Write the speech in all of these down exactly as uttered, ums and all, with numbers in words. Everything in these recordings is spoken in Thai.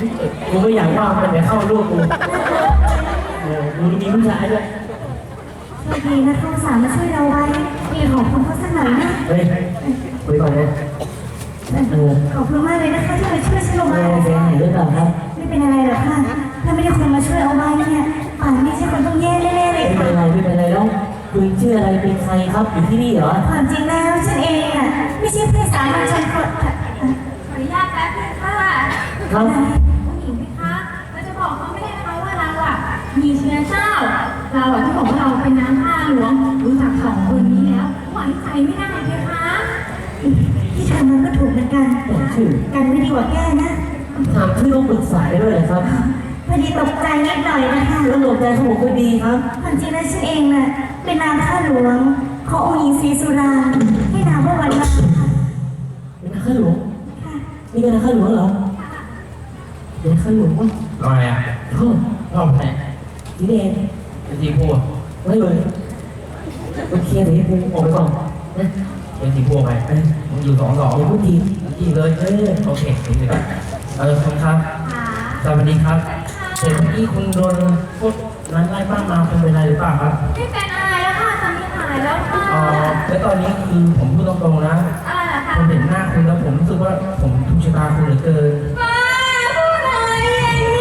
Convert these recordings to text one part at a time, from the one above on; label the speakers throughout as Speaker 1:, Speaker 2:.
Speaker 1: กูไม่อยากว่ามันไปเข้าลูกกูเออกูมีผู้ชายด้วย
Speaker 2: โชคดีนะเขาสามมาช่วยเราไว้มีขอบคุณเขาสักหน่อยนะ
Speaker 1: เฮ้ยคุยก่อนเลย
Speaker 2: ขอบคุณมากเลยนะคะที่มาช่วยฉันลงมา
Speaker 1: ไม่เป็นไรหรือเปล่าครับ
Speaker 2: ไม่เป็นอะไรหรอกค่ะถ้าไม่ได้คนมาช่วยเอาไว้เนี่ยป่านนี้ฉันคงต้องแย่แน่ๆเลย
Speaker 1: ไม่เป็นไรไม่เป็นไรแล้วคุณชื่ออะไรเป็นใครครับอยู่ที่นี่เหรอ
Speaker 2: ความจริงแล้วฉันเองอ่ะไม่ใช่เพื่อนสามัญชนคนขออนุญาตแป๊บนึงค่ะ
Speaker 1: ครับ
Speaker 2: ผู้หญิงไหมคะเราจะบอกเขาไม่ได้นะคะว่าเราอ่ะมีเชื้อเจ้าเราอ่ะที่บอกว่าเราเป็นน้ำข้าหลวงรู้จักสองคนนี้แล้วหวังใจไม่ได้เลยคะที่ทำมันก็ถูกเหมือนกันกันไม่ดีกว่าแก้นะ
Speaker 1: ถามที่ต้องปรึกษาได้ด้วยเหรอครับ
Speaker 2: พอดีตกใจนิดหน่อยนะคะ
Speaker 1: แล้วตกใจเขาบอกว่าดีครับ
Speaker 2: ความจริงแล้วฉันเองน่ะเป็นนางข้าหลวงขององค์หญิงศรีสุรางค์ให้นามว่าวันมาค่ะ
Speaker 1: เป็นนางข้าหลวงนี่เป็นนางข้าหลวงเหรอเป็นข้าหลวงวะ
Speaker 3: ทำไมอ่ะ
Speaker 1: ชอบ
Speaker 3: ชอบไหน
Speaker 1: ที่นี่เอง
Speaker 3: เป็นทีพูด
Speaker 1: ไม่เลยโอเคเดี๋ยวผมออกไปก่อนนะ
Speaker 3: เป็นทีพูดไปมึงอยู่สองสอง
Speaker 1: อย่าพูดที
Speaker 3: ทีเลยเออโอเคถึงเลยเออคุณครับสวัสดีครับเห็นที่คุณโดนพวกนั้นไล่บ้านมาเป็นเป็นอะไรหรือเปล่าครับ
Speaker 2: ไม่เป็นอะไรแล้วค่ะตอนนี้หายแล้วค่ะ
Speaker 3: อ๋อแล้วตอนนี้คือผมพูดตรงๆนะผมเห็นหน้าคุณแล้วผมรู้สึกว่าผมถูกชะตาคุณเหลือเกิน
Speaker 2: พูดอะไรอย่างนี้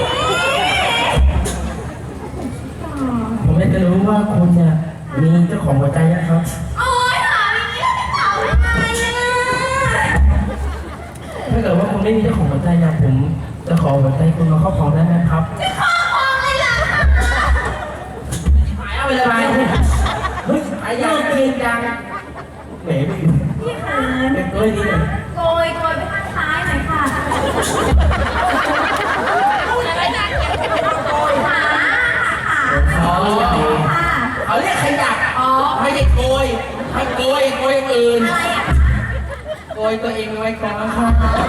Speaker 3: ผมอยากจะรู้ว่าคุณเนี่ยมีเจ้าของหัวใจนะครับ
Speaker 2: โอ๊ยถามอย่างนี้แล้วจะตอบยังไงอ่ะ
Speaker 3: ถ้าเกิดว่าคุณไม่มีเจ้าของหัวใจเนี่ยผมจะขอหัวใจคุณมาครอบครองได้ไหมครับ
Speaker 2: จะครอบครองเลยเหรอ
Speaker 3: หายเอาไปเลยเฮ้ยหายยังเองยังเหม็น
Speaker 2: พี่คะ
Speaker 3: เป็นกล้วยนี่เลย
Speaker 2: โกยโกยไปทางซ้ายหน่อยค่ะ
Speaker 3: ขาเขาเรียกขยับอ๋อไม่ใช่โกยให้โกยโกยอื่นโกยตัวเองไว้ก่อนค่ะ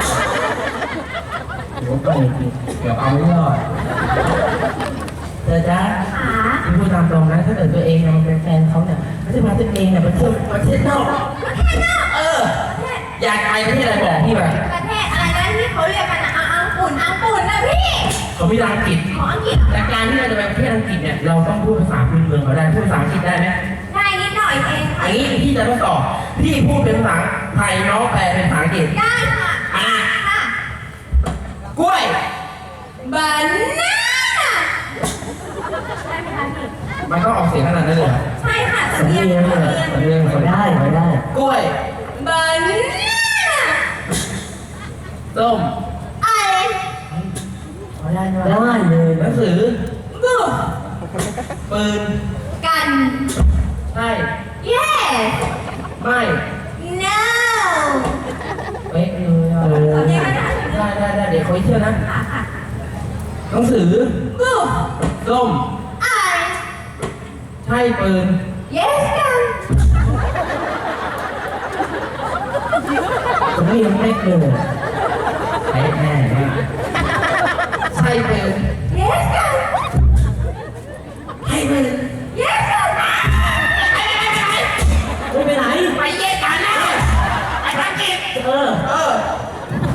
Speaker 3: โอ้ก็เลยเดี๋ยวเอาไม่รอดเธอจ๊ะที่พูดตามตรงนะถ้าเกิดตัวเองมันเป็นแฟนเขาเนี่ยเขาจะมาตัวเองเนี่ยมาเที่ยวประเทศนอกเอออยากไปประเทศอะไรบอกพี่ไป
Speaker 2: ประเทศอะไรนะที่เขาเรียกกันนะอังกฤษอังกฤษนะพี่
Speaker 3: เขาไม่อังกฤษ
Speaker 2: ของอังกฤษ
Speaker 3: แต่การที่เราจะไปประเทศอังกฤษเนี่ยเราต้องพูดภาษาพื้นเมืองเขาได้พูดภาษาอังกฤษได้ไหม
Speaker 2: ได้นิดหน่อยเอง
Speaker 3: อันนี้พี่จะทดสอบพี่พูดเป็นภาษาไทยน้องแปลเป็นภาษาอังกฤษ
Speaker 2: ได้ค่ะ
Speaker 3: อ่ะกล้วย
Speaker 2: บานาใช่ไหมคะพี่
Speaker 3: มันก็ออกเสียงขนาดนั้นเลย
Speaker 2: ใช่ค่ะ
Speaker 1: สำเนียงเลยสำเนียงเขาได้เขาได้
Speaker 3: กล้วย
Speaker 2: บานา
Speaker 3: ส้ม
Speaker 2: อะไร
Speaker 1: เขาได้ได้เลย
Speaker 3: หนังสือ
Speaker 2: บู
Speaker 3: ปืน
Speaker 2: กัน
Speaker 3: ใช่
Speaker 2: yes
Speaker 3: ไม่
Speaker 2: no
Speaker 3: เอ๊ะเลยอ่ะได้ได้ได้เดี๋ยวเขาเชื่อนะหนังสือ
Speaker 2: บู
Speaker 3: ส้ม
Speaker 2: ไอ
Speaker 3: ใช่ปืน
Speaker 2: yes กัน
Speaker 1: ผมเรียนไม่เลย
Speaker 3: ไอ้แน่เนี่ย